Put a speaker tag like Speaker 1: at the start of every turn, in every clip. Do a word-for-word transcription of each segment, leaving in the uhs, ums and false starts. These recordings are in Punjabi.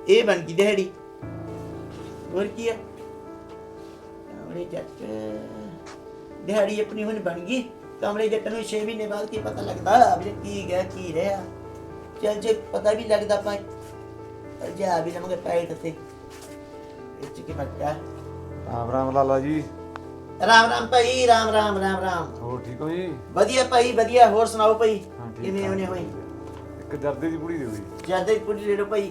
Speaker 1: ਇਹ ਬਣ ਗਈ ਦਿਹਾੜੀ। ਹੋਰ ਕੀ ਹੈ ਕਮਰੇ ਜੱਟ ਦਿਹਾੜੀ ਆਪਣੀ ਹੁਣ ਬਣ ਗਈ। ਕਮਰੇ ਜੱਟ ਨੂੰ ਛੇ ਮਹੀਨੇ ਬਾਅਦ ਕੀ ਪਤਾ ਲੱਗਦਾ ਵੀ ਕੀ ਗਿਆ ਕੀ ਰਿਹਾ। ਚੱਲ ਜੇ ਪਤਾ ਵੀ ਲੱਗਦਾ ਆਪਾਂ ਜਾ ਵੀ ਲਵਾਂਗੇ ਪੈਟ ਤੇ ਇੱਚ ਕੀ ਮੱਟਾ।
Speaker 2: ਰਾਮ ਰਾਮ ਲਾਲਾ ਜੀ।
Speaker 1: ਰਾਮ ਰਾਮ ਭਾਈ ਰਾਮ ਰਾਮ ਰਾਮ ਰਾਮ।
Speaker 2: ਹੋਰ ਠੀਕ ਹੋ ਜੀ?
Speaker 1: ਵਧੀਆ ਭਾਈ ਵਧੀਆ। ਹੋਰ ਸੁਣਾਓ ਭਾਈ
Speaker 2: ਹਾਂ ਠੀਕ
Speaker 1: ਕਿਵੇਂ ਹੋਣੇ ਹੋਈ?
Speaker 2: ਇੱਕ ਜਰਦੇ ਦੀ ਪੁੜੀ ਦਿਓ ਜੀ।
Speaker 1: ਜਰਦੇ ਦੀ ਪੁੜੀ ਲੈ ਲਓ ਭਾਈ।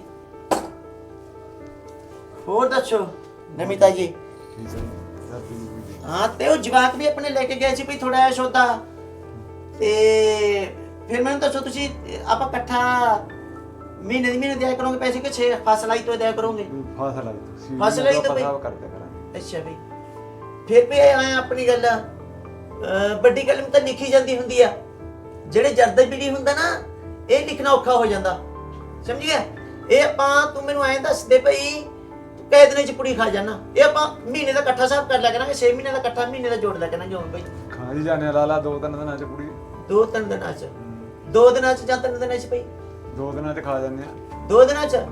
Speaker 1: ਹੋਰ ਦੱਸੋ ਨਮਿਤਾ ਜੀ?
Speaker 2: ਠੀਕ ਹੈ ਜਰਦੇ ਦੀ ਪੁੜੀ।
Speaker 1: ਹਾਂ ਤੇ ਉਹ ਜਵਾਕ ਵੀ ਆਪਣੇ ਲੈ ਕੇ ਗਏ ਸੀ ਭਾਈ ਥੋੜਾ ਜਿਹਾ ਸੌਦਾ ਤੇ ਫਿਰ ਮੈਨੂੰ ਦੱਸੋ ਤੁਸੀਂ ਆਪਾਂ ਇਕੱਠਾ ਮਹੀਨੇ ਦੀ ਮਹੀਨੇ ਦਿਆ ਕਰੋਗੇ ਪੈਸੇ ਕਿ ਛੇ ਫਸਲਾਈ ਤੋਂ ਦਿਆ ਕਰੋਗੇ?
Speaker 2: ਫਸਲ ਆਈ ਤੁਸੀਂ
Speaker 1: ਫਸਲ ਆਈ ਤਾਂ ਭਾਈ
Speaker 2: ਕਰਦੇ ਕਰਾਂਗੇ।
Speaker 1: ਅੱਛਾ ਭਾਈ ਫਿਰ ਵੀ ਆਇਆ ਆਪਣੀ ਗੱਲ ਵੱਡੀ ਕਲਮ ਤਾਂ ਲਿਖੀ ਜਾਂਦੀ ਹੁੰਦੀ ਆ। ਜਿਹੜੇ ਜਰਦੇ ਪੀੜੀ ਹੁੰਦਾ ਨਾ ਇਹ ਲਿਖਣਾ ਔਖਾ ਹੋ ਜਾਂਦਾ ਸਮਝ ਗਿਆ। ਇਹ ਆਪਾਂ ਤੂੰ ਮੈਨੂੰ ਐਂ ਦੱਸ ਦੇ ਭਾਈ ਕਈ ਦਿਨਾਂ ਚ ਪੁੜੀ ਖਾ ਜਾਣਾ। ਇਹ ਆਪਾਂ ਮਹੀਨੇ ਦਾ ਇਕੱਠਾ ਹਿਸਾਬ ਕਰ ਲਿਆ ਕਰਾਂਗੇ। ਛੇ ਮਹੀਨੇ ਦਾ ਇਕੱਠਾ ਮਹੀਨੇ ਦਾ ਜੋੜ ਲਿਆ ਕਰਾਂਗੇ ਹੁਣ ਭਾਈ।
Speaker 2: ਖਾ ਜੀ ਜਾਣੇ ਲਾਲਾ ਦੋ ਤਿੰਨ ਦਿਨਾਂ ਚ ਪੁੜੀ।
Speaker 1: ਦੋ ਤਿੰਨ ਦਿਨਾਂ ਚ ਦੋ ਦਿਨਾਂ ਚ ਜਾਂ ਤਿੰਨ ਦਿਨਾਂ ਚ ਭਾਈ?
Speaker 2: ਦੋ ਦਿਨਾਂ ਚ ਖਾ ਜਾਂਦੇ ਆ।
Speaker 1: ਦੋ ਦਿਨਾਂ ਚ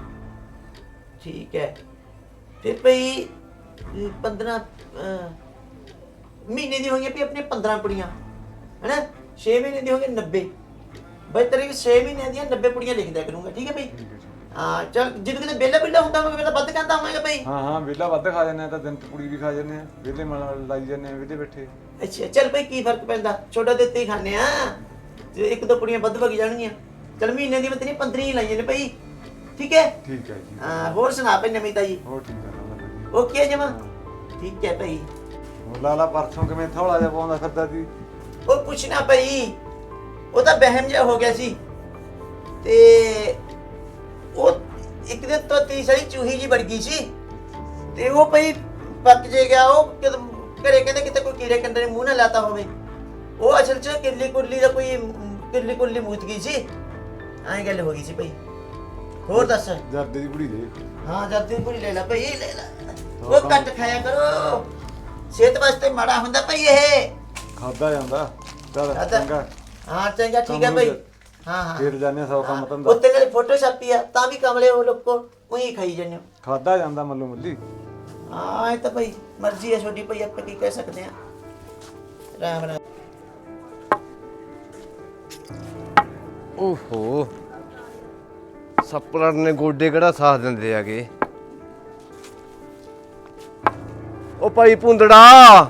Speaker 1: ਠੀਕ ਹੈ। ਫਿਰ ਭਾਈ ਪੰਦਰਾਂ ਮਹੀਨੇ ਦੀ ਹੋਈਆਂ ਵੀ ਆਪਣੇ ਪੰਦਰਾਂ ਪੁੜੀਆਂ ਹੈ ਨਾ। ਛੇ ਮਹੀਨੇ ਦੀ ਹੋ ਗਈ ਨੱਬੇ। ਬਈ ਤੇਰੇ ਛੇ ਮਹੀਨਿਆਂ ਦੀਆਂ ਨੱਬੇ ਪੁੜੀਆਂ ਲਿਖ ਦਿਆ ਕਰੂੰਗਾ ਠੀਕ ਹੈ ਭਾਈ। ਹਾਂ ਚੱਲ ਜਦੋਂ ਕਿਤੇ ਵਿਹਲਾ ਵਿਹਲਾ ਹੁੰਦਾ ਹੋਵੇਗਾ ਵੇਲਾ ਵੱਧ ਕਹਿੰਦਾ ਹੋਵੇਗਾ ਭਾਈ।
Speaker 2: ਹਾਂ ਹਾਂ ਵਿਹਲਾ ਵੱਧ ਖਾ ਜਾਂਦੇ ਆ ਤਾਂ ਦਿਨ ਚ ਪੁੜੀ ਵੀ ਖਾ ਜਾਂਦੇ ਆ। ਵਿਹਲੇ ਮਲ ਲਾਈ ਜਾਂਦੇ ਆ ਵਿਹਲੇ ਬੈਠੇ।
Speaker 1: ਅੱਛਾ ਚੱਲ ਭਾਈ ਕੀ ਫਰਕ ਪੈਂਦਾ ਛੋਟਾ ਦਿੱਤੇ ਹੀ ਖਾਂਦੇ ਆ ਤੇ ਇੱਕ ਦੋ ਪੁੜੀਆਂ ਵੱਧ ਵਗ ਜਾਣਗੀਆਂ। ਚੱਲ ਮਹੀਨੇ ਦੀ ਮੈਂ ਤੇਰੀ ਪੰਦਰਾਂ ਹੀ ਲਾਈਆਂ ਨੇ ਭਾਈ ਠੀਕ ਹੈ।
Speaker 2: ਠੀਕ ਹੈ ਜੀ।
Speaker 1: ਹਾਂ ਹੋਰ ਸੁਣਾ ਭਾਈ ਨਮਿਤਾ ਜੀ?
Speaker 2: ਹੋਰ ਠੀਕ ਹੈ ਲਾਲਾ।
Speaker 1: ਓਕੇ ਜਮਾ ਠੀਕ ਹੈ ਭਾਈ।
Speaker 2: ਹੋਰ ਲਾਲਾ ਪਰਸੋਂ ਕਿਵੇਂ ਥੋੜਾ ਜਿਹਾ ਪਾਉਂਦਾ ਫਿਰਦਾ ਸੀ?
Speaker 1: ਉਹ ਪੁੱਛਣਾ ਭਾਈ ਉਹ ਤਾਂ ਵਹਿਮ ਜਿਹਾ ਹੋ ਗਿਆ ਸੀ ਤੇ ਉਹ ਇੱਕ ਦਿਨ ਤੋਂ ਤੀਸਰੀ ਚੂਹੀ ਜੀ ਵੜ ਗਈ ਸੀ ਤੇ ਉਹ ਭਾਈ ਪੱਕ ਜੇ ਗਿਆ। ਉਹ ਕਿਤੇ ਘਰੇ ਕਹਿੰਦੇ ਕਿਤੇ ਕੋਈ ਕੀੜੇ ਕੰਡੇ ਨੇ ਮੂੰਹ ਨਾ ਲਾਤਾ ਹੋਵੇ। ਉਹ ਅਸਲ ਚ ਕਿਰਲੀ ਕੁਰਲੀ ਦਾ ਕੋਈ ਕਿਰਲੀ ਕੁਰਲੀ ਮੂਤ ਗਈ ਸੀ ਐਂ ਗੱਲ ਹੋ ਗਈ ਸੀ ਭਾਈ। ਹੋਰ ਦੱਸ?
Speaker 2: ਜਰਦੇ ਦੀ ਪੁੜੀ ਦੇ।
Speaker 1: ਹਾਂ ਜਰਦੇ ਦੀ ਪੁੜੀ ਲੈ ਲੈ ਭਾਈ ਲੈ ਲੈ। ਉਹ ਕੱਟ ਖਾਇਆ ਕਰੋ ਸਿਹਤ ਵਾਸਤੇ ਮਾੜਾ ਹੁੰਦਾ ਭਾਈ ਇਹ।
Speaker 2: ਖਾਦਾ ਜਾਂਦਾ ਚੱਲ ਚੰਗਾ।
Speaker 1: ਹਾਂ ਚੰਗਾ ਠੀਕ ਹੈ ਭਾਈ। ਹਾਂ ਹਾਂ
Speaker 2: ਫਿਰ ਜਾਣੇ ਸੌ ਕੰਮ ਧੰਦਾ।
Speaker 1: ਉੱਤੇ ਨਾਲੇ ਫੋਟੋ ਛਾਪੀ ਆ ਤਾਂ ਵੀ ਕਮਲੇ ਉਹ ਲੋਕੋ ਉਹੀ ਖਾਈ ਜਾਂਦੇ ਹੋ।
Speaker 2: ਖਾਦਾ ਜਾਂਦਾ ਮੱਲੂ ਮੱਲੀ।
Speaker 1: ਹਾਂ ਇਹ ਤਾਂ ਭਾਈ ਮਰਜ਼ੀ ਹੈ ਛੋਟੀ ਭਾਈ ਆਪਾਂ ਕੀ ਕਹਿ ਸਕਦੇ ਆ। ਰਾਮ ਰਾਮ।
Speaker 3: ਓਹੋ ਸੱਪਲੜ ਨੇ ਗੋਡੇ ਕਿਹੜਾ ਸਾਥ ਦਿੰਦੇ ਆਗੇ। ਉਹ ਭਾਈ ਭੁੰਦੜਾ।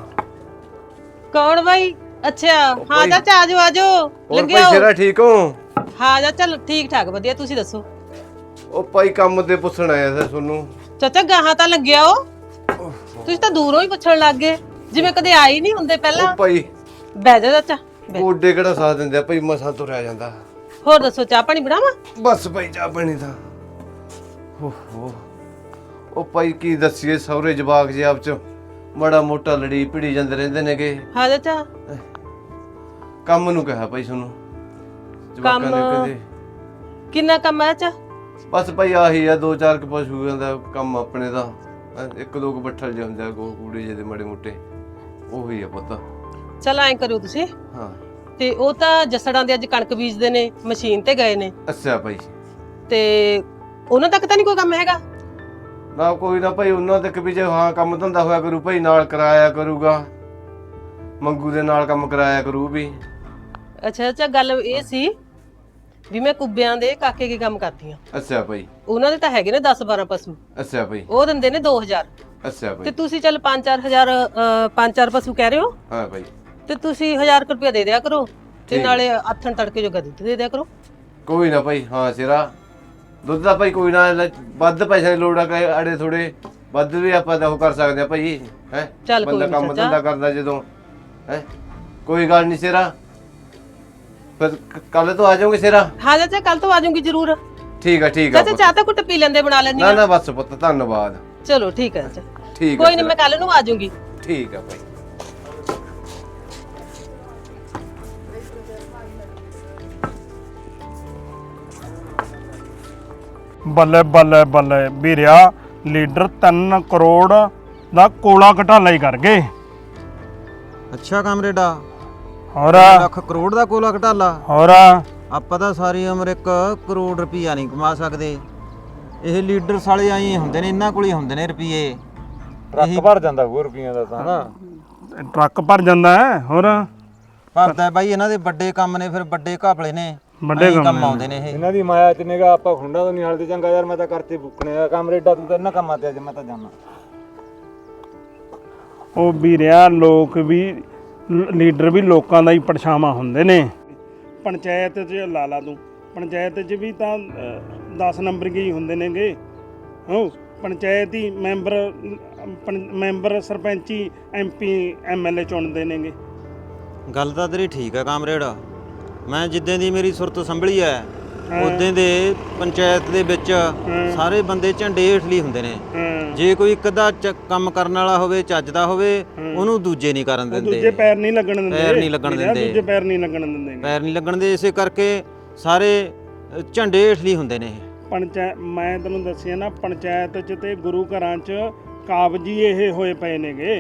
Speaker 4: ਕੌਣ ਬਾਈ? ਅੱਛਾ ਹਾਂ
Speaker 3: ਭਾਈ-
Speaker 4: ਚਾਚਾ ਆਜੋ ਆਜੋ
Speaker 3: ਹੋਰ
Speaker 4: ਲੱਗਿਆ
Speaker 3: ਭਾਈ ਸਿਰਾ ਠੀਕ ਹੋ?
Speaker 4: ਹਾਂ ਚਾਚਾ ਠੀਕ ਠਾਕ ਵਧੀਆ ਤੁਸੀਂ ਦੱਸੋ?
Speaker 3: ਉਹ ਭਾਈ ਕੰਮ ਤੇ ਪੁੱਛਣ ਆਇਆ ਸੀ ਤੁਹਾਨੂੰ।
Speaker 4: ਚਾਚਾ ਗਾਹਾਂ ਤਾਂ ਲੱਗਿਆ ਉਹ ਤੁਸੀਂ ਤਾਂ ਦੂਰੋਂ ਹੀ ਪੁੱਛਣ ਲੱਗ ਗਏ ਜਿਵੇਂ ਕਦੇ ਆਏ ਹੀ ਨਹੀਂ ਹੁੰਦੇ ਪਹਿਲਾਂ।
Speaker 3: ਉਹ ਭਾਈ
Speaker 4: ਬਹਿ ਜਾ ਚਾਚਾ ਬਹਿ।
Speaker 3: ਗੋਡੇ ਕਿਹੜਾ ਸਾਥ ਦਿੰਦੇ ਆ ਭਾਈ ਮਸਾਂ ਤੁਰਿਆ ਜਾਂਦਾ।
Speaker 4: ਹੋਰ ਦੱਸੋ ਚਾਹ ਪਾਣੀ ਬਣਾਵਾਂ?
Speaker 3: ਬਸ ਭਾਈ ਚਾਹ ਪਾਣੀ ਤਾਂ ਓਹੋ ਉਹ ਭਾਈ ਕੀ ਦੱਸੀਏ ਸਹੁਰੇ ਜਵਾਕ ਜੀ ਆਪ ਚ ਮਾੜਾ ਮੋਟਾ ਲੜੀ ਭਿੜੀ ਜਾਂਦੇ ਰਹਿੰਦੇ ਨੇਗੇ।
Speaker 4: ਹਾਂ ਚਾਚਾ
Speaker 3: ਕੰਮ ਨੂੰ ਕਿਹਾ ਭਾਈ ਤੁਹਾਨੂੰ ਜਵਾਕਾਂ ਨੇ
Speaker 4: ਕੰਮ-
Speaker 3: ਕਹਿੰਦੇ
Speaker 4: ਕਿੰਨਾ ਕੰਮ ਹੈ ਚਾਚਾ?
Speaker 3: ਬਸ ਭਾਈ ਆਹੀ ਆ ਦੋ ਚਾਰ ਕੁ ਪਸ਼ੂਆਂ ਦਾ ਕੰਮ ਆਪਣੇ ਦਾ। ਇੱਕ ਦੋ ਕੁ ਬੱਠਲ ਜਿਹੇ ਹੁੰਦੇ ਆ ਗੋ ਕੂੜੇ ਜਿਹੇ ਦੇ ਮਾੜੇ ਮੋਟੇ ਉਹੀ ਆ ਪੁੱਤ।
Speaker 4: ਚਲ ਐਂ ਕਰਿਓ ਤੁਸੀਂ
Speaker 3: ਹਾਂ
Speaker 4: ਤੇ ਉਹ ਤਾਂ ਜਸੜਾਂ ਦੇ ਅੱਜ ਕਣਕ ਬੀਜਦੇ ਨੇ ਮਸ਼ੀਨ ਤੇ ਗਏ ਨੇ
Speaker 3: ਅੱਛਾ ਭਾਈ।
Speaker 4: ਤੇ ਉਹਨਾਂ ਤੱਕ ਤਾਂ ਨਹੀਂ ਕੋਈ ਕੰਮ ਹੈਗਾ?
Speaker 3: ਨਾ ਕੋਈ ਨਾ ਭਾਈ ਉਹਨਾਂ ਤੱਕ ਵੀ ਜੇ ਹਾਂ ਕੰਮ ਧੰਦਾ ਹੋਇਆ ਕਰੂ ਭਾਈ ਨਾਲ ਕਰਾਇਆ ਕਰੂਗਾ। ਮੰਗੂ ਦੇ ਨਾਲ ਕੰਮ ਕਰਾਇਆ ਕਰੂ ਵੀ।
Speaker 4: ਅੱਛਾ ਅੱਛਾ ਗੱਲ ਇਹ ਸੀ ਵੀ ਮੈਂ ਕੁੱਬਿਆਂ ਦੇ ਕਾਕੇ ਕੀ ਕੰਮ ਕਰਦੀ ਆ।
Speaker 3: ਅੱਛਾ ਭਾਈ।
Speaker 4: ਉਹਨਾਂ ਦੇ ਤਾਂ ਹੈਗੇ ਨੇ ਦਸ ਬਾਰਾਂ ਪਸ਼ੂ।
Speaker 3: ਅੱਛਾ ਭਾਈ।
Speaker 4: ਉਹ ਦਿੰਦੇ ਨੇ ਦੋ ਹਜ਼ਾਰ।
Speaker 3: ਅੱਛਾ
Speaker 4: ਤੇ
Speaker 3: ਭਾਈ।
Speaker 4: ਤੁਸੀਂ ਚੱਲ ਪੰਜ ਚਾਰ ਹਜ਼ਾਰ ਪੰਜ ਚਾਰ ਪਸ਼ੂ ਕਹਿ ਰਹੇ ਹੋ
Speaker 3: ਹਾਂ ਭਾਈ।
Speaker 4: ਤੇ ਤੁਸੀਂ ਹਜ਼ਾਰ ਰੁਪਏ ਦੇ ਦਿਆ ਕਰੋ ਤੇ
Speaker 3: ਠੀਕ।
Speaker 4: ਨਾਲੇ ਆਥਣ ਤੜਕੇ ਜੋਗਾ ਦੁੱਧ ਦੇ ਦਿਆ ਕਰੋ।
Speaker 3: ਕੋਈ ਨਾ ਭਾਈ। ਹਾਂ ਸਿਰਾ ਦੁੱਧ ਦਾ ਭਾਈ ਕੋਈ ਨਾ ਲੈ, ਵੱਧ ਪੈਸੇ ਦੀ ਲੋੜ ਆ ਕਿ ਅੜੇ ਥੋੜੇ ਵੱਧ ਵੀ ਆਪਾਂ ਤਾਂ ਉਹ ਕਰ ਸਕਦੇ ਆ ਭਾਈ ਹੈ।
Speaker 4: ਚੱਲ ਕੋਈ
Speaker 3: ਬੰਦਾ
Speaker 4: ਨੀ
Speaker 3: ਕੰਮ
Speaker 4: ਚਾਚਾ।
Speaker 3: ਧੰਦਾ ਕਰਦਾ ਜਦੋਂ ਹੈ ਕੋਈ ਗੱਲ ਨਹੀਂ ਸਿਰਾ। ਫਿਰ ਕੱਲ ਤੋਂ ਆ ਜਾਓਗੇ ਸਿਰਾ?
Speaker 4: ਹਾਂ ਚਾਚਾ ਕੱਲ ਤੋਂ ਆ ਜਾਊਂਗੀ ਜ਼ਰੂਰ।
Speaker 3: ਠੀਕ ਆ ਠੀਕ ਆ
Speaker 4: ਚਾਚਾ ਚਾਹ ਤਾਂ ਕੁੱਟ ਪੀ ਲੈਂਦੇ ਬਣਾ ਲੈਣੀ
Speaker 3: ਨਾ ਨਾ ਬਸ ਪੁੱਤ ਧੰਨਵਾਦ।
Speaker 4: ਚਲੋ ਠੀਕ ਹੈ ਚਾਚਾ
Speaker 3: ਠੀਕ ਆ
Speaker 4: ਕੋਈ ਨਹੀਂ
Speaker 3: ਸਿਰਾ।
Speaker 4: ਮੈਂ ਕੱਲ ਨੂੰ ਆ ਜਾਊਂਗੀ।
Speaker 3: ਠੀਕ ਆ ਭਾਈ।
Speaker 5: ਬੱਲੇ ਬੱਲੇ ਬੱਲੇ ਵੀਰਿਆ ਲੀਡਰ ਤਿੰਨ ਕਰੋੜ ਦਾ ਕੋਲਾ ਘਟਾਲਾ ਹੀ ਕਰ ਗਏ।
Speaker 6: ਅੱਛਾ ਕਾਮਰੇਡਾ
Speaker 5: ਹੋਰ
Speaker 6: ਲੱਖ ਕਰੋੜ ਦਾ ਕੋਲਾ ਘਟਾਲਾ।
Speaker 5: ਹੋਰ
Speaker 6: ਆਪਾਂ ਤਾਂ ਸਾਰੀ ਉਮਰ ਇੱਕ ਕਰੋੜ ਰੁਪਈਆ ਨਹੀਂ ਕਮਾ ਸਕਦੇ ਇਹ ਲੀਡਰ ਸਾਲੇ ਆਈ ਹੁੰਦੇ ਨੇ, ਇਹਨਾਂ ਕੋਲ ਹੀ ਹੁੰਦੇ ਨੇ ਰੁਪਏ।
Speaker 2: ਟਰੱਕ ਭਰ ਜਾਂਦਾ ਹੋਰ ਰੁਪਈਆਂ ਦਾ ਤਾਂ ਨਾ।
Speaker 5: ਟਰੱਕ ਭਰ ਜਾਂਦਾ ਹੈ ਹੋਰ
Speaker 6: ਭਰਦਾ ਬਾਈ, ਇਹਨਾਂ ਦੇ ਵੱਡੇ ਕੰਮ ਨੇ, ਫਿਰ ਵੱਡੇ ਘਾਪਲੇ ਨੇ,
Speaker 5: ਵੱਡੇ
Speaker 6: ਐਂ ਹੀ
Speaker 5: ਕੰਮ
Speaker 6: ਕੰਮ
Speaker 5: ਨੇ।
Speaker 6: ਆਉਂਦੇ ਨੇ ਇਹ।
Speaker 2: ਇਹਨਾਂ ਦੀ ਮਾਇਆ ਚ ਨਿਗਾ ਆਪਾਂ ਖੁੰਡਾ ਤੋਂ ਨਹੀਂ ਹਲਦੇ। ਚੰਗਾ ਯਾਰ ਮੈਂ ਤਾਂ ਕਰਤੇ ਬੁੱਕਣੇ ਆ ਕਾਮਰੇਡਾ, ਤੂੰ ਤਾਂ ਇਹਨਾਂ ਕੰਮਾਂ ਤੇ ਅੱਜ ਮੈਂ ਤਾਂ ਜਾਣਾ।
Speaker 5: ਉਹ ਵੀਰਿਆ ਲੋਕ ਵੀ ਲੀਡਰ ਵੀ ਲੋਕਾਂ ਦਾ ਹੀ ਪਰਛਾਵਾਂ ਹੁੰਦੇ ਨੇ। ਪੰਚਾਇਤ 'ਚ ਲਾ ਲਾ ਤੂੰ, ਪੰਚਾਇਤ 'ਚ ਵੀ ਤਾਂ ਦਸ ਨੰਬਰ ਹੀ ਹੁੰਦੇ ਨੇਗੇ। ਹੋ ਪੰਚਾਇਤ ਹੀ ਮੈਂਬਰ ਪੰ- ਮੈਂਬਰ ਸਰਪੰਚੀ ਐਮਪੀ ਐਮਐਲਏ ਚੁਣਦੇ ਨੇਗੇ।
Speaker 6: ਗੱਲ ਤਾਂ ਤੇਰੀ ਠੀਕ ਹੈ ਕਾਮਰੇਡ। ਮੈਂ ਜਿੱਦਾਂ ਦੀ ਮੇਰੀ ਸੁਰਤ ਸੰਭਲੀ ਐ ਉਦੋਂ ਦੇ ਪੰਚਾਇਤ ਦੇ ਵਿੱਚ ਸਾਰੇ ਬੰਦੇ ਝੰਡੇ ਹੇਠਲੀ ਹੁੰਦੇ ਨੇ।
Speaker 5: ਹਾਂ
Speaker 6: ਜੇ ਕੋਈ ਇੱਕ ਅੱਧਾ ਚ- ਕੰਮ ਕਰਨ ਵਾਲਾ ਹੋਵੇ, ਚੱਜਦਾ ਹੋਵੇ, ਉਹਨੂੰ ਦੂਜੇ ਨਹੀਂ ਕਰਨ
Speaker 5: ਦੂਜੇ
Speaker 6: ਦਿੰਦੇ,
Speaker 5: ਪੈਰ ਨਹੀਂ ਲੱਗਣ ਦਿੰਦੇ।
Speaker 6: ਪੈਰ ਨਹੀਂ ਲੱਗਣ
Speaker 5: ਵੀਰਿਆ,
Speaker 6: ਦਿੰਦੇ।
Speaker 5: ਦੂਜੇ ਪੈਰ ਨਹੀਂ ਲੱਗਣ ਦਿੰਦੇ।
Speaker 6: ਪੈਰ ਨਹੀਂ ਲੱਗਣ ਦੇ, ਇਸੇ ਕਰਕੇ ਸਾਰੇ ਅ, ਝੰਡੇ ਹੇਠਲੀ ਹੁੰਦੇ ਨੇ ਇਹ।
Speaker 5: ਪੰਚਾਇਤ ਮੈਂ ਤੈਨੂੰ ਦੱਸਿਆ ਨਾ, ਪੰਚਾਇਤ 'ਚ ਤੇ ਗੁਰੂ ਘਰਾਂ 'ਚ ਕਾਬਜੀ ਇਹ ਹੋਏ ਪਏ ਨੇਗੇ।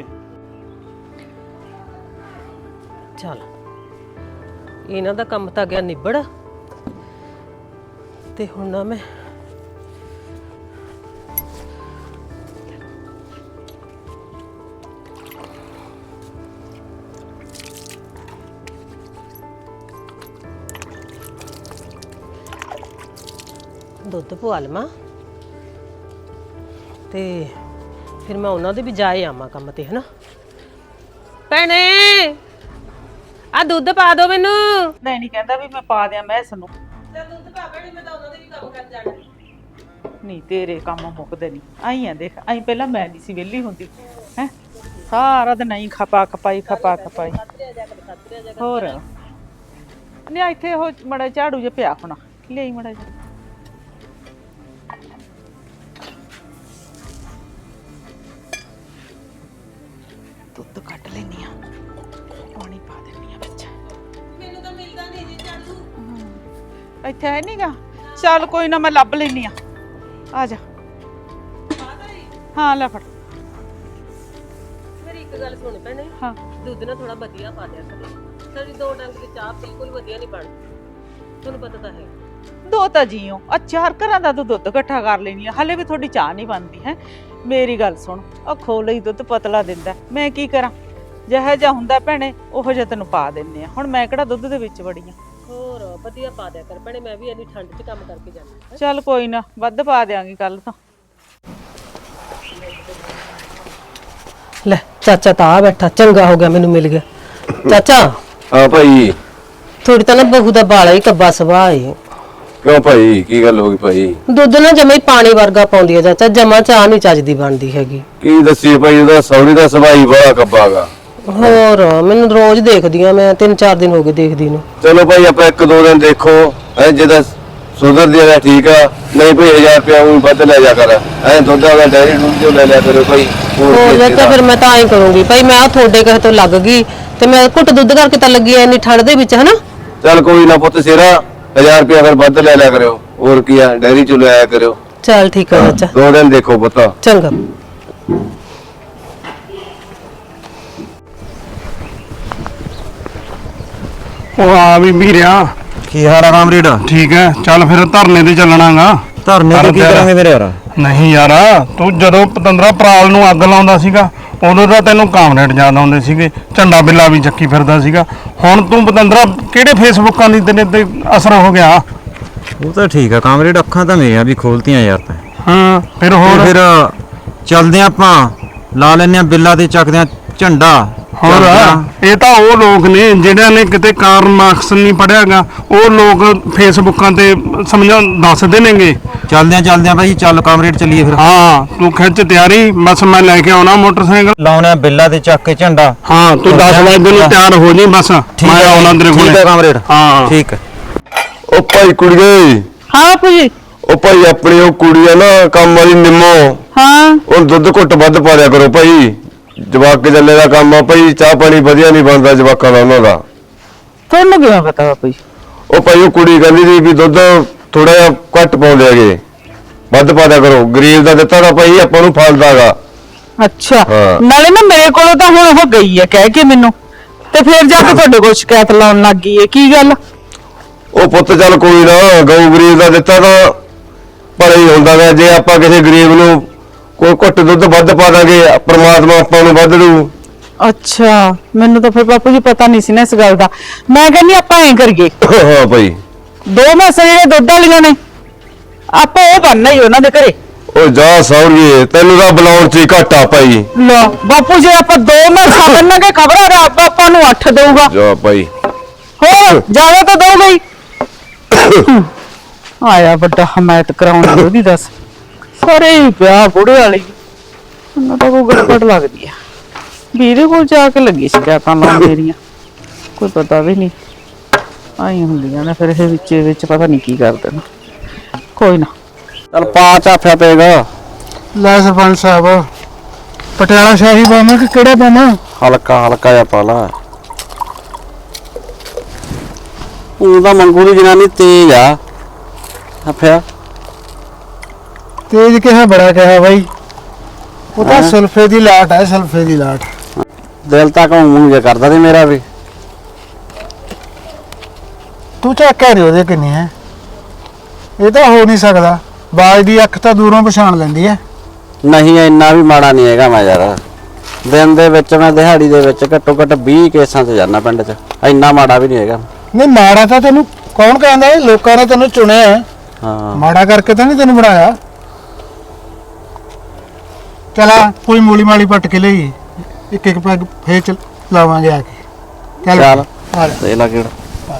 Speaker 4: ਚੱਲ ਇਹਨਾਂ ਦਾ ਕੰਮ ਤਾਂ ਗਿਆ ਨਿਬੜ, ਤੇ ਹੁਣ ਨਾ ਮੈਂ ਦੁੱਧ ਪਵਾ ਲਵਾਂ ਤੇ ਫਿਰ ਮੈਂ ਉਹਨਾਂ ਦੇ ਵੀ ਜਾਏ ਆਵਾਂ ਕੰਮ ਤੇ, ਹਨਾ। ਭੈਣੇ ਆ ਦੁੱਧ ਪਾ ਦੋ ਮੈਨੂੰ।
Speaker 7: ਨਹੀਂ ਨਹੀਂ ਕਹਿੰਦਾ ਵੀ ਮੈਂ ਪਾ ਦਿਆਂ ਮੈਂ ਇਸ ਨੂੰ।
Speaker 4: ਚੱਲ ਦੁੱਧ ਪਾ ਭੈਣੇ, ਮੈਂ ਤਾਂ ਉਹਨਾਂ ਦੇ ਵੀ ਕੰਮ ਕਰ ਜਾਣਾ।
Speaker 7: ਨਹੀਂ ਤੇਰੇ ਕੰਮ ਮੁੱਕਦੇ ਨਹੀਂ। ਆਈ ਆ ਦੇਖ, ਆਈ ਪਹਿਲਾਂ ਮੈਂ ਨਹੀਂ ਸੀ ਵਿਹਲੀ ਹੁੰਦੀ ਹੈ, ਸਾਰਾ ਦਿਨ ਆਈ ਖਪਾ ਖਪਾਈ ਖਪਾ ਖਪਾਈ। ਹੋਰ ਨਹੀਂ ਇੱਥੇ ਉਹ ਮੜਾ ਝਾੜੂ ਜਿਹਾ ਪਿਆ ਹੋਣਾ, ਲਿਆਈ ਮੜਾ ਜਿਹਾ। ਦੁੱਧ ਕੱਢ ਲੈਣੀ ਆ, ਪਾਣੀ ਪਾ ਦੇਣੀ ਆ ਵਿੱਚ।
Speaker 4: ਮੈਨੂੰ ਤਾਂ ਮਿਲਦਾ ਨਹੀਂ ਜੀ ਝਾੜੂ।
Speaker 7: ਇੱਥੇ ਹੈ ਨਹੀਂਗਾ, ਚੱਲ ਕੋਈ ਨਾ ਮੈਂ ਲੱਭ ਲੈਣੀ ਆ, ਆ ਜਾ। ਹਾਂ ਲੈ ਫੜ।
Speaker 4: ਮੇਰੀ ਇੱਕ ਗੱਲ ਸੁਣ ਭੈਣੇ,
Speaker 7: ਹਾਂ
Speaker 4: ਦੁੱਧ ਨਾ ਥੋੜਾ ਵਧੀਆ ਪਾ ਦਿਆ ਕਰੇ। ਸਾਡੀ ਦੋ ਡੰਗ ਦੀ ਚਾਹ ਬਿਲਕੁਲ ਵਧੀਆ ਨਹੀਂ ਬਣਦੀ, ਤੁਹਾਨੂੰ ਪਤਾ ਤਾਂ ਹੈ।
Speaker 7: ਦੋ ਤਾਂ ਜੀਓ ਆ ਚਾਰ ਘਰਾਂ ਦਾ ਤੂੰ ਦੁੱਧ ਇਕੱਠਾ ਕਰ ਲੈਣੀ ਆ, ਹਲੇ ਵੀ ਤੁਹਾਡੀ ਚਾਹ ਨਹੀਂ ਬਣਦੀ ਹੈ। ਮੇਰੀ ਗੱਲ ਸੁਣ, ਉਹ ਖੋਲ ਹੀ ਦੁੱਧ ਪਤਲਾ ਦਿੰਦਾ, ਮੈਂ ਕੀ ਕਰਾਂ? ਜਿਹੋ ਜਿਹਾ ਹੁੰਦਾ ਭੈਣੇ ਉਹੋ ਜਿਹਾ ਤੈਨੂੰ ਪਾ ਦਿੰਨੇ ਆ। ਹੁਣ ਮੈਂ ਕਿਹੜਾ ਦੁੱਧ ਦੇ ਵਿੱਚ ਵੜੀ ਆ।
Speaker 4: ਹੋਰ ਵਧੀਆ ਪਾ ਦਿਆ ਕਰ ਭੈਣੇ, ਮੈਂ ਵੀ ਇੰਨੀ ਠੰਡ 'ਚ ਕੰਮ ਕਰਕੇ ਜਾਣਾ।
Speaker 7: ਚੱਲ ਕੋਈ ਨਾ, ਵੱਧ ਪਾ ਦਿਆਂਗੀ ਕੱਲ ਤੋਂ।
Speaker 4: ਲੈ ਚਾਚਾ ਤਾਂ ਆ ਬੈਠਾ, ਚੰਗਾ ਹੋ ਗਿਆ ਮੈਨੂੰ ਮਿਲ ਗਿਆ। ਚਾਚਾ
Speaker 3: ਹਾਂ ਭਾਈ।
Speaker 4: ਥੋੜੀ ਤਾਂ ਨਾ ਬਹੂ ਦਾ ਬਾਲਾ ਹੀ ਕੱਬਾ ਸੁਭਾਅ ਏ।
Speaker 3: ਕਿਉਂ ਭਾਈ, ਕੀ ਗੱਲ ਹੋ ਗਈ ਭਾਈ?
Speaker 4: ਦੁੱਧ ਨਾ ਜਮਾ ਹੀ ਪਾਣੀ ਵਰਗਾ ਪਾਉਂਦੀ ਹੈ ਚਾਚਾ, ਜਮਾ ਚਾਹ ਨਹੀਂ ਚੱਜਦੀ ਬਣਦੀ ਹੈਗੀ।
Speaker 3: ਕੀ ਦੱਸੀਏ ਭਾਈ, ਉਹਦਾ ਸੌਰੀ ਦਾ ਸੁਭਾਅ ਬੜਾ ਕੱਬਾਗਾ।
Speaker 4: ਹੋਰ ਮੈਨੂੰ ਰੋਜ਼ ਦੇਖਦੀ ਆ ਮੈਂ, ਤਿੰਨ ਚਾਰ ਦਿਨ ਹੋ ਗਏ ਦੇਖਦੀ ਨੂੰ।
Speaker 3: ਚਲੋ ਭਾਈ ਆਪਾਂ ਇੱਕ ਦੋ ਦਿਨ ਦੇਖੋ, ਐ ਜਿਹਦਾ ਸੁਧਰਦੀ ਆ ਠੀਕ ਆ, ਨਹੀਂ ਭਾਈ ਹਜ਼ਾਰ ਰੁਪਇਆ ਉਹ ਵੱਧ ਲੈ ਜਾ ਕਰ। ਐ ਦੁੱਧ ਦਾ ਡੈਰੀ ਦੁੱਧ ਜੋ ਲੈ ਲਿਆ ਕਰੋ ਭਾਈ। ਹੋਰ
Speaker 4: ਹੋ
Speaker 3: ਕੀ
Speaker 4: ਚਾਚਾ ਫਿਰ ਮੈਂ ਤਾਂ ਐਂ ਕਰੂੰਗੀ ਭਾਈ, ਮੈਂ ਆ ਤੁਹਾਡੇ ਕਹੇ ਤੋਂ ਲੱਗ ਗਈ ਤੇ ਮੈਂ ਘੁੱਟ ਦੁੱਧ ਕਰਕੇ ਤਾਂ ਲੱਗੀ ਐ ਇੰਨੀ ਠੰਡ ਦੇ ਵਿੱਚ, ਹਨਾ।
Speaker 3: ਚੱਲ ਕੋਈ ਨਾ ਪੁੱਤ ਸਿਰਾ, ਹਜ਼ਾਰ ਰੁਪਇਆ ਫਿਰ ਵੱਧ ਲੈ ਲਿਆ ਕਰਿਓ। ਹੋਰ ਕੀ ਆ, ਡੈਰੀ ਚ ਲੈ ਆਇਆ ਕਰਿਓ।
Speaker 4: ਚੱਲ ਠੀਕ ਆ ਚਾਚਾ,
Speaker 3: ਦੋ ਦਿਨ ਦੇਖੋ ਪੁੱਤ।
Speaker 4: ਚੰਗਾ।
Speaker 5: ਉਹ ਆ ਵੀ ਵੀਰਿਆ,
Speaker 6: ਕੀ ਹਾਲ ਆ ਕਾਮਰੇਡ?
Speaker 5: ਠੀਕ ਹੈ। ਚੱਲ ਫਿਰ ਧਰਨੇ ਤੇ ਚੱਲਣਾਗਾ।
Speaker 6: ਧਰਨੇ ਤੇ ਕੀ ਕਰਾਂਗੇ ਮੇਰੇ ਯਾਰ?
Speaker 5: ਨਹੀਂ ਯਾਰ, ਤੂੰ ਜਦੋਂ ਪਤੰਦਰਾ ਪਰਾਲ ਨੂੰ ਅੱਗ ਲਾਉਂਦਾ ਸੀਗਾ ਉਦੋਂ ਤਾਂ ਤੈਨੂੰ ਕਾਮਰੇਡ ਯਾਦ ਆਉਂਦੇ ਸੀਗੇ, ਝੰਡਾ ਬਿੱਲਾ ਵੀ ਚੱਕੀ ਫਿਰਦਾ ਸੀਗਾ। ਹੁਣ ਤੂੰ ਪਤੰਦਰਾ ਕਿਹੜੇ ਫੇਸਬੁੱਕਾਂ ਦੀ ਤੇਰੇ ਤੇ ਅਸਰ ਹੋ ਗਿਆ?
Speaker 6: ਉਹ ਤਾਂ ਠੀਕ ਆ ਕਾਮਰੇਡ, ਅੱਖਾਂ ਤਾਂ ਮੇਰੀਆਂ ਵੀ ਖੋਲਤੀਆਂ ਯਾਰ ਤੈਂ।
Speaker 5: ਹਾਂ ਫਿਰ
Speaker 6: ਤੇ
Speaker 5: ਹੋਰ
Speaker 6: ਫਿਰ ਚੱਲਦੇ ਆਪਾਂ, ਲਾ ਲੈਨੇ ਆ ਬਿੱਲਾ ਤੇ ਚੱਕਦੇ ਆ ਝੰਡਾ।
Speaker 5: ਹੋਰ
Speaker 6: ਚੱਲਦੇ ਆ।
Speaker 5: ਇਹ ਤਾਂ ਉਹ ਲੋਕ ਨੇ ਜਿਹੜਿਆਂ ਨੇ ਕਿਤੇ ਕਾਰਨ ਮਾਰਕਸ ਨਹੀਂ ਪੜਿਆਗਾ, ਉਹ ਲੋਕ ਫੇਸਬੁੱਕਾਂ ਤੇ ਸਮਝਾ ਦੱਸਦੇ ਨੇਗੇ।
Speaker 6: ਚੱਲਦੇ ਆ ਚੱਲਦੇ ਆ ਭਾਈ, ਚੱਲ ਕਾਮਰੇਡ ਚੱਲੀਏ ਫਿਰ।
Speaker 5: ਹਾਂ ਤੂੰ ਖਿੱਚ ਤਿਆਰੀ, ਬਸ ਮੈਂ ਲੈ ਕੇ ਆਉਣਾ ਮੋਟਰਸਾਈਕਲ।
Speaker 6: ਲਾਉਣੇ ਆ ਬਿੱਲਾ ਤੇ ਚੱਕ ਕੇ ਝੰਡਾ।
Speaker 5: ਹਾਂ ਤੂੰ ਦਸ ਵਜੇ ਨੂੰ ਤਿਆਰ ਹੋ ਜੀ, ਬਸ
Speaker 6: ਠੀਕ
Speaker 5: ਮੈਂ
Speaker 6: ਹੈ
Speaker 5: ਆਉਣਾ ਤੇਰੇ ਕੋਲ।
Speaker 6: ਠੀਕ ਹੈ ਕਾਮਰੇਡ,
Speaker 5: ਹਾਂ
Speaker 6: ਠੀਕ ਹੈ।
Speaker 3: ਉਹ ਭਾਈ ਕੁੜੀਏ,
Speaker 7: ਹਾਂ ਬਾਪੂ ਜੀ।
Speaker 3: ਉਹ ਭਾਈ ਆਪਣੀ ਉਹ ਕੁੜੀ ਆ ਨਾ ਕੰਮ ਵਾਲੀ ਨਿੰਮੋ,
Speaker 7: ਹਾਂ
Speaker 3: ਉਹ ਦੁੱਧ ਘੁੱਟ ਵੱਧ ਪਾ ਦਿਆ ਕਰੋ ਭਾਈ। ਜਵਾਕ ਚੱਲੇ ਦਾ ਕੰਮ ਆ ਭਾਈ, ਚਾਹ ਪਾਣੀ ਵਧੀਆ ਨਹੀਂ ਬਣਦਾ ਜਵਾਕਾਂ ਦਾ ਉਹਨਾਂ ਦਾ।
Speaker 7: ਤੁਹਾਨੂੰ ਕਿਵੇਂ ਪਤਾ ਬਾਪੂ ਜੀ?
Speaker 3: ਉਹ ਭਾਈ ਉਹ ਕੁੜੀ ਕਹਿੰਦੀ ਸੀ ਵੀ ਦੁੱਧ ਥੋੜਾ ਜਿਹਾ ਘੱਟ ਪਾਉਂਦੇ ਹੈਗੇ, ਵੱਧ ਪਾ ਦਿਆ ਕਰੋ। ਗਰੀਬ ਦਾ ਦਿੱਤਾ ਤਾਂ ਭਾਈ ਆਪਾਂ ਨੂੰ ਫਲਦਾਗਾ।
Speaker 7: ਅੱਛਾ,
Speaker 3: ਹਾਂ।
Speaker 7: ਨਾਲੇ ਨਾ ਮੇਰੇ ਕੋਲੋਂ ਤਾਂ ਹੁਣ ਉਹ ਗਈ ਹੈ ਕਹਿ ਕੇ ਮੈਨੂੰ, ਤੇ ਫਿਰ ਜਾ ਕੇ ਤੁਹਾਡੇ ਕੋਲ ਸ਼ਿਕਾਇਤ ਲਾਉਣ ਲੱਗ ਗਈ ਹੈ। ਕੀ ਗੱਲ?
Speaker 3: ਉਹ ਪੁੱਤ ਚੱਲ ਕੋਈ ਨਾ, ਗਊ ਗਰੀਬ ਦਾ ਦਿੱਤਾ ਤਾਂ ਭਲਾ ਹੀ ਹੁੰਦਾ ਗਾ। ਜੇ ਆਪਾਂ ਕਿਸੇ ਗਰੀਬ ਨੂੰ ਕੋਈ ਘੁੱਟ ਦੁੱਧ ਵੱਧ ਪਾ ਦਾਂਗੇ, ਪ੍ਰਮਾਤਮਾ ਆਪਾਂ ਨੂੰ ਵੱਧ ਦੂ।
Speaker 7: ਅੱਛਾ, ਮੈਨੂੰ ਤਾਂ ਫਿਰ ਬਾਪੂ ਜੀ ਪਤਾ ਨਹੀਂ ਸੀ ਨਾ ਇਸ ਗੱਲ ਦਾ। ਮੈਂ ਕਹਿੰਦੀ ਆਪਾਂ ਐਂ ਕਰੀਏ,
Speaker 3: ਹਾਂ ਭਾਈ,
Speaker 7: ਦੋ ਮੈਸਾਂ ਜਿਹੜੇ ਦੁੱਧ ਵਾਲੀਆਂ ਨੇ ਆਪਾਂ ਉਹ ਬੰਨਣਾ ਹੀ ਉਹਨਾਂ ਦੇ ਘਰੇ।
Speaker 3: ਉਹ ਜਾ ਸੌਰੀਏ, ਤੈਨੂੰ ਤਾਂ ਬੁਲਾਉਣ 'ਚ ਹੀ ਘਾਟਾ ਭਾਈ।
Speaker 7: ਲੋ ਬਾਪੂ ਜੀ ਆਪਾਂ ਦੋ ਮੈਸਾਂ ਬੰਨਾਂਗੇ, ਖਬਰਾਂ ਰੱਬ ਆਪਾਂ ਨੂੰ ਅੱਠ ਦੇਊਗਾ।
Speaker 3: ਜਾ ਭਾਈ,
Speaker 7: ਹੋਰ ਜ਼ਿਆਦਾ ਤਾਂ ਦਊਗਾ ਹੀ। ਆਇਆ ਵੱਡਾ ਹਮਾਇਤ ਕਰਾਉਣ ਉਹਦੀ, ਦੱਸ ਸਾਰੇ ਹੀ ਪਿਆ ਬੁੜੇ ਵਾਲੀ। ਮੈਨੂੰ ਤਾਂ ਕੋਈ ਗੜਬੜ ਲੱਗਦੀ ਆ ਵੀ ਇਹਦੇ ਕੋਲ ਜਾ ਕੇ ਲੱਗੀ ਸ਼ਿਕਾਇਤਾਂ ਲਾਉਣ ਮੇਰੀਆਂ, ਕੋਈ ਪਤਾ ਵੀ ਨਹੀਂ। ਆਈ ਹੁੰਦੀਆਂ ਨੇ ਫਿਰ ਇਹ ਵਿੱਚ ਵਿੱਚ ਪਤਾ ਨਹੀਂ ਕੀ ਕਰਦੇ ਨੇ। ਕੋਈ ਨਾ,
Speaker 8: ਚੱਲ ਪਾ ਚਾਫਿਆ ਪਏਗਾ।
Speaker 2: ਲੈ ਸਰਪੰਚ ਸਾਹਿਬ, ਪਟਿਆਲਾ ਸ਼ਾਹੀ ਪਾਵਾਂ ਕਿ ਕਿਹੜਾ ਪਾਵਾਂ?
Speaker 8: ਹਲਕਾ ਹਲਕਾ ਜਿਹਾ ਪਾ ਲਾ। ਉਹ ਤਾਂ ਮੰਗੂ ਦੀ ਜਨਾਨੀ ਤੇਜ਼ ਆ ਆਫਿਆ।
Speaker 2: ਤੇਜ ਕਿਹਾ ਬੜਾ ਕਿਹਾ ਬਾਈ, ਉਹ ਤਾਂ ਸਲਫੇ ਦੀ ਲਾਟ ਹੈ, ਸਲਫੇ ਦੀ ਲਾਟ।
Speaker 8: ਦਿਲ ਤਾਂ ਘੁੰਮੂ ਜਿਹਾ ਕਰਦਾ ਤੇ ਮੇਰਾ ਵੀ।
Speaker 2: ਤੂੰ ਝਾਕਿਆ ਨਹੀਂ ਉਹਦੇ ਕਿੰਨੀ ਹੈ, ਇਹ ਤਾਂ ਹੋ ਨਹੀਂ ਸਕਦਾ। ਬਾਜ ਦੀ ਅੱਖ ਤਾਂ ਦੂਰੋਂ ਪਛਾਣ ਲੈਂਦੀ ਹੈ।
Speaker 8: ਨਹੀਂ ਇੰਨਾ ਵੀ ਮਾੜਾ ਨਹੀਂ ਹੈਗਾ ਮੈਂ ਯਾਰ। ਦਿਨ ਦੇ ਵਿੱਚ ਮੈਂ ਦਿਹਾੜੀ ਦੇ ਵਿੱਚ ਘੱਟੋ ਘੱਟ ਵੀਹ ਕੇਸਾਂ 'ਚ ਜਾਂਦਾ ਪਿੰਡ 'ਚ। ਇੰਨਾ ਮਾੜਾ ਵੀ ਨਹੀਂ ਹੈਗਾ।
Speaker 2: ਨਹੀਂ ਮਾੜਾ ਤਾਂ ਤੈਨੂੰ ਕੌਣ ਕਹਿੰਦਾ ਹੈ, ਲੋਕਾਂ ਨੇ ਤੈਨੂੰ ਚੁਣਿਆ ਹੈ,
Speaker 8: ਹਾਂ
Speaker 2: ਮਾੜਾ ਕਰਕੇ ਤਾਂ ਨਹੀਂ ਤੈਨੂੰ ਬਣਾਇਆ। ਚਲਾ ਕੋਈ ਮੂਲੀ ਮਾਲੀ ਪੱਟ ਕੇ ਲਈ, ਇੱਕ ਇੱਕ ਪੈਗ ਫੇਰ ਚ ਲਾਵਾਂਗੇ ਆ ਕੇ। ਚੱਲ
Speaker 8: ਚੱਲ
Speaker 2: ਆ ਲੈ।
Speaker 8: ਦੇ ਲਾ ਕਿਹੜਾ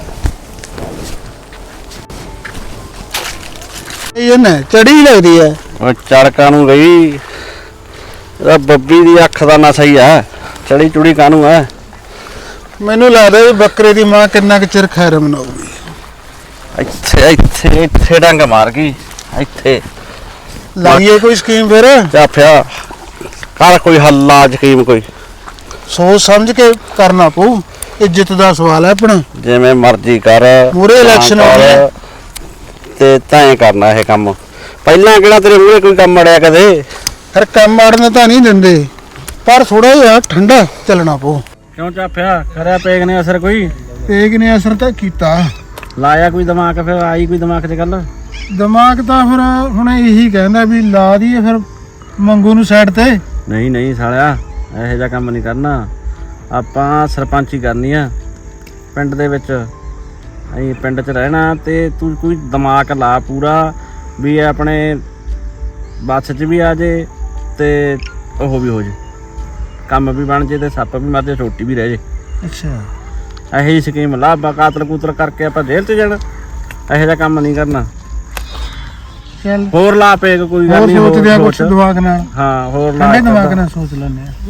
Speaker 2: ਇਹ ਨਾ ਚੜੀ ਲੱਗਦੀ ਹੈ।
Speaker 8: ਉਹ ਚੜਕਾ ਨੂੰ ਗਈ। ਇਹਦਾ ਬੱਬੀ ਦੀ ਅੱਖ ਦਾ ਨਸ਼ਾ ਹੀ ਆ। ਚੜੀ ਚੁੜੀ ਕਾਹਨੂੰ ਆ।
Speaker 2: ਮੈਨੂੰ ਲੱਗਦਾ ਵੀ ਬੱਕਰੇ ਦੀ ਮਾਂ ਕਿੰਨਾ ਕੁ ਚਿਰ ਖੈਰ ਮਨਾਊਗੀ।
Speaker 8: ਇੱਥੇ ਇੱਥੇ ਇੱਥੇ ਡੰਗ ਮਾਰ ਗਈ। ਇੱਥੇ
Speaker 2: ਲਾਈਏ ਕੋਈ ਸਕੀਮ ਫਿਰ,
Speaker 8: ਚਾਫਿਆ ਕਰ ਕੋਈ ਹੱਲਾ ਯਕੀਨ ਕੋਈ।
Speaker 2: ਸੋਚ ਸਮਝ ਕੇ ਕਰਨਾ ਪਊ, ਇੱਜ਼ਤ ਦਾ ਸਵਾਲ ਹੈ ਆਪਣਾ।
Speaker 8: ਜਿਵੇਂ ਮਰਜ਼ੀ ਕਰ।
Speaker 2: ਮੂਹਰੇ election ਆਉਣੀ ਹੈ।
Speaker 8: ਤੇ ਤਾਂ ਹੀ ਕਰਨਾ ਇਹ ਕੰਮ। ਪਹਿਲਾਂ ਕਿਹੜਾ ਤੇਰੇ ਮੂਹਰੇ ਕੋਈ ਕੰਮ ਅੜਿਆ ਕਦੇ?
Speaker 2: ਫਿਰ ਕੰਮ ਆੜਨ ਤਾਂ ਨਹੀਂ ਦਿੰਦੇ, ਪਰ ਥੋੜਾ ਜਿਹਾ ਠੰਡਾ ਚੱਲਣਾ ਪਊ।
Speaker 8: ਕਿਉਂ ਚਾਫਿਆ ਕਰਿਆ ਪੇਗ ਨੇ ਅਸਰ ਕੋਈ?
Speaker 2: ਪੇਗ ਨੇ ਅਸਰ ਤਾਂ ਕੀਤਾ।
Speaker 8: ਲਾਇਆ ਕੋਈ ਦਿਮਾਗ? ਫਿਰ ਆਈ ਕੋਈ ਦਿਮਾਗ 'ਚ ਗੱਲ?
Speaker 2: ਦਿਮਾਗ ਤਾਂ ਫਿਰ ਹੁਣ ਇਹੀ ਕਹਿੰਦਾ ਵੀ ਲਾ ਦਈਏ ਫਿਰ ਮੰਗੂ ਨੂੰ ਸਾਈਡ ਤੇ।
Speaker 8: ਨਹੀਂ ਨਹੀਂ ਸਾਲਿਆ, ਇਹੋ ਜਿਹਾ ਕੰਮ ਨਹੀਂ ਕਰਨਾ। ਆਪਾਂ ਸਰਪੰਚੀ ਕਰਨੀ ਆ ਪਿੰਡ ਦੇ ਵਿੱਚ। ਅਸੀਂ ਪਿੰਡ 'ਚ ਰਹਿਣਾ ਤੇ ਤੂੰ ਕੋਈ ਦਿਮਾਗ ਲਾ ਪੂਰਾ ਵੀ ਇਹ ਆਪਣੇ ਬੱਸ 'ਚ ਵੀ ਆ ਜੇ ਤੇ ਉਹ ਵੀ ਹੋ ਜੇ, ਕੰਮ ਵੀ ਬਣ ਜੇ ਤੇ ਸੱਪ ਵੀ ਮਰ ਜੇ, ਛੋਟੀ ਵੀ ਰਹਿ ਜੇ।
Speaker 2: ਅੱਛਾ,
Speaker 8: ਇਹੋ ਜਿਹੀ ਸਕੀਮ ਲਾ। ਆਪਾਂ ਕਾਤਲ ਕੂਤਲ ਕਰਕੇ ਆਪਾਂ ਜੇਲ੍ਹ 'ਚ ਜਾਣਾ। ਇਹੋ ਜਿਹਾ ਕੰਮ ਨਹੀਂ ਕਰਨਾ।
Speaker 2: ਚੱਲ
Speaker 8: ਹੋਰ ਲਾ ਪਏਗਾ ਕੋਈ ਗੱਲ
Speaker 2: ਹੋਰ
Speaker 8: ਨਹੀਂ।
Speaker 2: ਸੋਚਦੇ ਆ ਕੁਛ ਦਿਮਾਗ ਨਾਲ,
Speaker 8: ਹਾਂ ਹੋਰ ਲਾ।
Speaker 2: ਠੰਡੇ ਦਿਮਾਗ ਨਾਲ ਸੋਚ ਲੈਂਦੇ ਆ।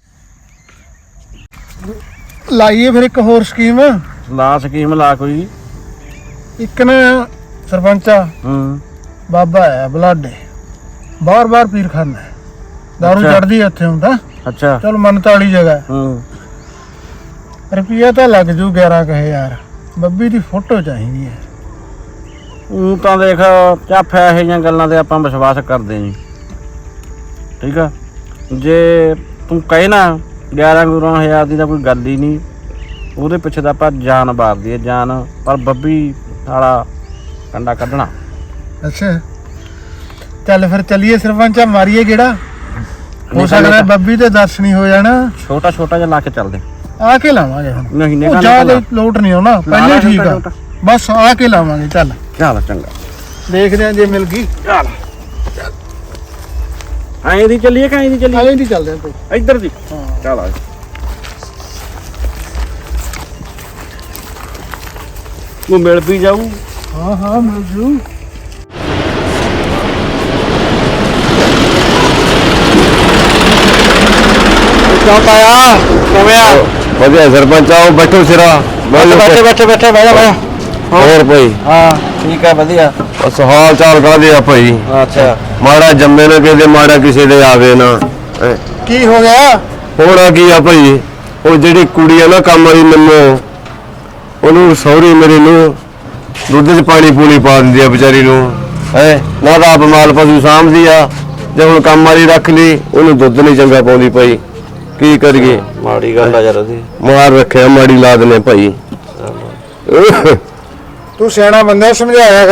Speaker 2: ਲਾਈਏ ਫਿਰ ਇੱਕ ਹੋਰ ਸਕੀਮ।
Speaker 8: ਲਾ ਸਕੀਮ ਲਾ ਕੋਈ।
Speaker 2: ਇੱਕ ਨਾ ਸਰਪੰਚਾ
Speaker 8: ਹੂੰ
Speaker 2: ਬਾਬਾ ਹੈ ਬਲਾਡੇ, ਬਾਰ ਬਾਰ ਪੀਰ ਖਾਨਾ ਹੈ, ਦਾਰੂ
Speaker 8: ਅੱਛਾ।
Speaker 2: ਚੜਦੀ ਇੱਥੇ ਹੁੰਦਾ।
Speaker 8: ਅੱਛਾ
Speaker 2: ਚਲ ਮੰਨਤ ਵਾਲੀ ਜਗ੍ਹਾ,
Speaker 8: ਹੂੰ
Speaker 2: ਰੁਪਈਆ ਤਾਂ ਲੱਗ ਜੂ ਗਿਆਰਾਂ ਕੁ ਹਜ਼ਾਰ। ਬੱਬੀ ਦੀ ਫੋਟੋ ਚਾਹੀਦੀ ਹੈ।
Speaker 8: ਉਹ ਤਾਂ ਦੇਖ ਚਾਫਿਆ ਇਹੋ ਜਿਹੀਆਂ ਗੱਲਾਂ ਤੇ ਆਪਾਂ ਵਿਸ਼ਵਾਸ ਕਰਦੇ ਨਹੀਂ। ਠੀਕ ਆ, ਜੇ ਤੂੰ ਕਹੇ ਨਾ ਗਿਆਰਾਂ ਗੁਰਾਂ ਹਜ਼ਾਰ ਦੀ ਤਾਂ ਕੋਈ ਗੱਲ ਹੀ ਨਹੀਂ। ਉਹਦੇ ਪਿੱਛੇ ਤਾਂ ਆਪਾਂ ਜਾਨ ਮਾਰਦੀ ਹੈ ਜਾਨ, ਪਰ ਬੱਬੀ ਵਾਲਾ ਕੰਡਾ ਕੱਢਣਾ।
Speaker 2: ਅੱਛਾ ਚੱਲ ਫਿਰ ਚੱਲੀਏ ਸਰਪੰਚਾ, ਮਾਰੀਏ ਕਿਹੜਾ ਹੋ ਸਕਦਾ ਬੱਬੀ ਦੇ ਦਰਸ਼ਨ ਹੀ ਹੋ ਜਾਣਾ।
Speaker 8: ਛੋਟਾ ਛੋਟਾ ਜਿਹਾ ਲਾ ਕੇ ਚੱਲਦੇ
Speaker 2: ਆ ਕੇ ਲਾਵਾਂਗੇ ਹੁਣ।
Speaker 8: ਨਹੀਂ ਨਹੀਂ
Speaker 2: ਉਹ ਜ਼ਿਆਦਾ ਲੋਟ ਨਹੀਂ ਆਉਣਾ, ਪਹਿਲੇ ਠੀਕ ਆ, ਬਸ ਆ ਕੇ ਲਾਵਾਂਗੇ। ਚੱਲ
Speaker 8: ਚੱਲ ਚੰਗਾ,
Speaker 2: ਦੇਖਦੇ ਆ ਜੇ ਮਿਲ ਗਈ।
Speaker 8: ਚੱਲ ਐਂ ਦੀ ਚੱਲੀਏ ਕਿ ਐਂ ਦੀ ਚੱਲੀਏ?
Speaker 2: ਆਲੇ ਦੀ ਚੱਲਦੇ ਆ ਕੋਈ
Speaker 8: ਇੱਧਰ ਦੀ। ਚੱਲ ਆ ਉਹ ਮਿਲ ਵੀ ਜਾਊ।
Speaker 2: ਹਾਂ ਹਾਂ ਮਿਲ ਜੂ।
Speaker 8: ਕਿਉਂ ਪਾਇਆ ਕਿਵੇਂ ਆ?
Speaker 3: ਵਧੀਆ ਸਰਪੰਚ ਆਓ, ਬੈਠੋ ਸਿਰਾ।
Speaker 8: ਬੈਠੇ ਬੈਠੇ ਬੈਠੇ ਬੈਠੇ ਬਹਿ ਜਾ ਬਹਿ ਜਾ।
Speaker 3: ਹੋਰ ਭਾਈ?
Speaker 8: ਹਾਂ ਠੀਕ ਆ ਵਧੀਆ।
Speaker 3: ਬਸ ਹਾਲ ਚਾਲ ਕਾਹਦੇ ਆ ਭਾਈ?
Speaker 8: ਅੱਛਾ
Speaker 3: ਮਾੜਾ ਜੰਮੇ ਨਾ ਕਿਸੇ, ਮਾੜਾ ਕਿਸੇ ਦੇ ਆਵੇ ਨਾ। ਹੈਂ।
Speaker 2: ਕੀ ਹੋ ਗਿਆ?
Speaker 3: ਹੋਣਾ ਕੀ ਆ ਭਾਈ, ਉਹ ਜਿਹੜੀ ਕੁੜੀ ਆ ਨਾ ਕੰਮ ਵਾਲੀ ਮੈਨੂੰ, ਉਹਨੂੰ ਸਹੁਰੀ ਮੇਰੇ ਨੂੰ ਦੁੱਧ 'ਚ ਪਾਣੀ ਪੂਣੀ ਪਾ ਦਿੰਦੀ ਆ ਵਿਚਾਰੀ ਨੂੰ। ਹੈ ਨਾ ਤਾਂ ਆਪ ਮਾਲ ਪਸ਼ੂ ਸਾਂਭਦੀ ਆ, ਜੇ ਹੁਣ ਕੰਮ ਵਾਲੀ ਰੱਖ ਲਈ ਉਹਨੂੰ ਦੁੱਧ ਨਹੀਂ ਚੰਗਾ ਪਾਉਂਦੀ ਭਾਈ। ਕੀ ਕਰੀਏ?
Speaker 8: ਮਾੜੀ ਗੱਲ ਆ ਯਾਰ ਉਹਦੀ।
Speaker 3: ਮਾਰ ਰੱਖਿਆ, ਮਾੜੀ ਲਾਦ ਨੇ ਭਾਈ।
Speaker 2: ਤੂੰ ਸਿਆਣਾ ਬੰਦਾ, ਸਮਝਾਇਆ ਕਰ।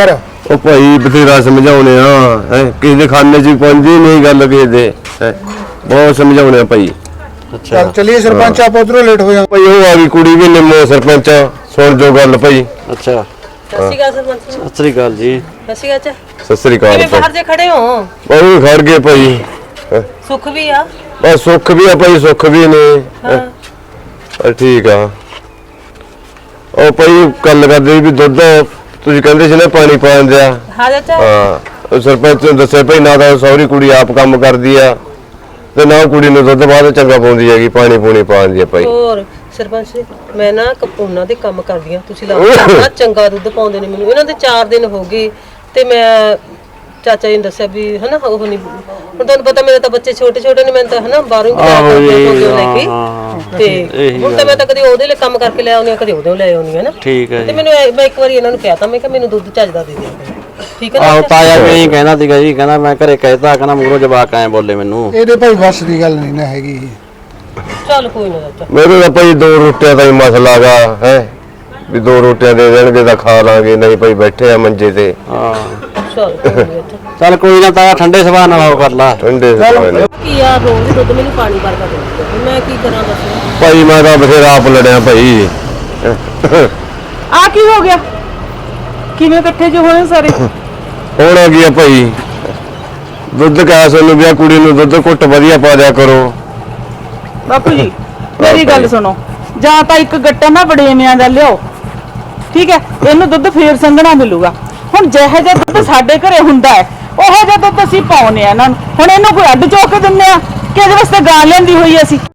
Speaker 3: ਉਹ ਭਾਈ ਬਥੇਰਾ ਸਮਝਾਉਣੇ ਆ ਹੈ ਕਿਸੇ ਦੇ ਖਾਨੇ 'ਚ ਪਹੁੰਚੀ ਨਹੀਂ ਗੱਲ ਕਿਸੇ ਦੇ ਹੈਂ। ਬਹੁਤ ਸਮਝਾਉਣੇ ਆ ਭਾਈ।
Speaker 2: ਚੱਲ ਚਲੀਏ ਸਰਪੰਚ, ਆਪਾਂ ਉਧਰੋਂ ਲੇਟ ਹੋ ਜਾ।
Speaker 3: ਭਾਈ ਉਹ ਆ ਗਈ ਕੁੜੀ ਵੀ ਨਿੰਮੋ ਸਰਪੰਚ ਸੁਣ ਜੋ ਗੱਲ ਭਾਈ।
Speaker 8: ਅੱਛਾ
Speaker 4: ਸਤਿ ਸ਼੍ਰੀ ਅਕਾਲ ਸਰਪੰਚ ਜੀ।
Speaker 8: ਸਤਿ ਸ੍ਰੀ ਅਕਾਲ ਜੀ।
Speaker 4: ਸਤਿ ਸ਼੍ਰੀ ਅਕਾਲ।
Speaker 3: ਸਤਿ ਸ੍ਰੀ ਅਕਾਲ
Speaker 4: ਕਿਵੇਂ ਬਾਹਰ ਜੇ ਖੜੇ ਹੋ?
Speaker 3: ਉਹ ਵੀ ਖੜ ਗਏ ਭਾਈ। ਹੈਂ।
Speaker 4: ਸੁੱਖ ਵੀ ਆ?
Speaker 3: ਬਸ ਸੁੱਖ ਵੀ ਆ ਭਾਈ, ਸੁੱਖ ਵੀ ਨੇ।
Speaker 4: ਹਾਂ
Speaker 3: ਚਲ ਠੀਕ ਆ। ਉਹ ਭਾਈ ਗੱਲ ਕਰਦੇ ਵੀ ਦੁੱਧ ਤੁਸੀਂ ਕਹਿੰਦੇ ਸੀ ਨਾ ਪਾਣੀ ਪਾਉਣ ਦਿਆ।
Speaker 4: ਹਾਂ ਚਾਚਾ।
Speaker 3: ਹਾਂ ਉਹ ਸਰਪੰਚ ਨੇ ਦੱਸਿਆ ਭਾਈ ਨਾ ਤਾਂ ਸਹੁਰੀ ਕੁੜੀ ਆਪ ਕੰਮ ਕਰਦੀ ਆ ਤੇ ਨਾ ਕੁੜੀ ਨੂੰ ਦੁੱਧ ਬਾਅਦ ਚੰਗਾ ਪਾਉਂਦੀ ਹੈਗੀ, ਪਾਣੀ ਪੂਣੀ ਪਾਉਂਦੀ ਆ ਭਾਈ।
Speaker 4: ਹੋਰ ਸਰਪੰਚ ਜੀ, ਮੈਂ ਨਾ ਉਹਨਾਂ ਦੇ ਕੰਮ ਕਰਦੀ ਆ, ਤੁਸੀਂ ਲੱਗਦਾ ਚੰਗਾ ਦੁੱਧ ਪਾਉਂਦੇ ਨੇ ਮੈਨੂੰ। ਇਹਨਾਂ ਦੇ ਚਾਰ ਦਿਨ ਹੋ ਗਏ ਤੇ ਮੈਂ ਚਾਚਾ ਜੀ ਨੇ ਦੱਸਿਆ ਵੀ ਹਨਾ ਉਹ ਨਹੀਂ, ਹੁਣ ਤੁਹਾਨੂੰ ਪਤਾ ਮੇਰੇ ਤਾਂ ਬੱਚੇ ਛੋਟੇ ਛੋਟੇ ਨੇ, ਮੈਂ ਤਾਂ ਹਨਾ ਬਾਹਰੋਂ ਹੀ ਕਰਾ ਕੇ ਲੈ ਕੇ ਤੇ ਹੁਣ ਤਾਂ ਮੈਂ ਤਾਂ ਕਦੇ ਉਹਦੇ ਲਈ ਕੰਮ ਕਰਕੇ ਲੈ ਆਉਂਦੀ ਆ, ਕਦੇ ਉਹਦੇ ਲੈ ਆਉਂਦੀ ਆ ਨਾ।
Speaker 8: ਠੀਕ ਹੈ
Speaker 4: ਤੇ
Speaker 8: ਜੀ।
Speaker 4: ਮੈਨੂੰ ਮੈਂ ਇੱਕ ਵਾਰੀ ਇਹਨਾਂ ਨੂੰ ਕਹਿਤਾ, ਮੈਂ ਕਿਹਾ ਮੈਨੂੰ ਦੁੱਧ ਚੱਜਦਾ ਦੇ ਦਿਓ, ਠੀਕ ਹੈ
Speaker 8: ਆਹੋ
Speaker 4: ਨਾ?
Speaker 8: ਤਾਇਆ ਵੀ ਇਹੀ ਕਹਿੰਦਾ ਸੀਗਾ ਜੀ, ਕਹਿੰਦਾ ਮੈਂ ਘਰੇ ਕਹਿਤਾ, ਕਹਿੰਦਾ ਮੂਹਰੋਂ ਜਵਾਕ ਆਏ ਬੋਲੇ ਮੈਨੂੰ।
Speaker 2: ਇਹਦੇ ਭਾਈ ਵੱਸ ਦੀ ਗੱਲ ਨਹੀਂ ਨਾ ਹੈਗੀ।
Speaker 4: ਚੱਲ ਕੋਈ ਨਾ ਚਾਚਾ।
Speaker 3: ਮੇਰੇ ਤਾਂ ਭਾਈ ਦੋ ਰੋਟੀਆਂ ਦਾ ਹੀ ਮਸਲਾ ਗਾ ਹੈ ਵੀ ਦੋ ਰੋਟੀਆਂ ਦੇ ਦੇਣਗੇ ਤਾਂ ਖਾ ਲਾਂਗੇ, ਨਹੀਂ ਭਾਈ ਬੈਠੇ ਆ ਮੰਜੇ ਤੇ।
Speaker 8: ਹਾਂ
Speaker 4: ਚੱਲ ਕੋਈ ਨਾ ਚਾਚਾ।
Speaker 8: ਚੱਲ ਕੋਈ ਨਾ ਤਾਇਆ, ਠੰਡੇ ਸੁਭਾਅ ਨਾਲ ਉਹ ਕਰ ਲਾ।
Speaker 3: ਠੰਡੇ ਸੁਭਾਅ ਨੇ
Speaker 4: ਕੀ ਆ ਰੋਜ਼ ਦੁੱਧ ਮੈਨੂੰ ਪਾਣੀ ਭਰ ਕੇ ਦਿੰਦੇ, ਮੈਂ ਕੀ ਕਰਾਂ ਦੱਸੋ?
Speaker 3: ਭਾਈ। ਮੈਂ ਤਾਂ ਬਥੇਰਾ ਆਪ ਲੜਿਆ ਭਾਈ।
Speaker 7: ਆ ਕੀ ਹੋ ਗਿਆ? ਕਿਵੇਂ ਇਕੱਠੇ ਜੋ ਹੋਏ ਸਾਰੇ?
Speaker 3: ਹੁਣ ਆ ਗਿਆ ਭਾਈ ਦੁੱਧ ਕਾ ਸਾਨੂੰ ਵੀ ਆ ਕੁੜੀ ਨੂੰ ਦੁੱਧ ਘੁੱਟ ਵਧੀਆ ਪਾ ਦਿਆ ਕਰੋ।
Speaker 7: ਬਾਪੂ ਜੀ ਮੇਰੀ ਗੱਲ ਸੁਣੋ, ਜਾਂ ਤਾਂ ਇੱਕ ਗੱਟਾ ਨਾ ਬੜੇਵਿਆਂ ਦਾ ਲਿਓ, ਠੀਕ ਹੈ? ਇਹਨੂੰ ਦੁੱਧ ਫੇਰ ਸੰਘਣਾ ਮਿਲੂਗਾ। ਹੁਣ ਜਿਹੋ ਜਿਹਾ ਦੁੱਧ ਸਾਡੇ ਘਰੇ ਹੁੰਦਾ ਹੈ ਉਹੋ ਜਿਹਾ ਦੁੱਧ ਅਸੀਂ ਪਾਉਨੇ ਆ ਇਹਨਾਂ ਨੂੰ। ਹੁਣ ਇਹਨੂੰ ਕੋਈ ਅੱਡ ਚੋਕ ਦਿੰਨੇ ਆ ਕਿ ਇਹਦੇ ਵਾਸਤੇ ਗਾਂ ਲੈਂਦੀ ਹੋਈ ਅਸੀਂ?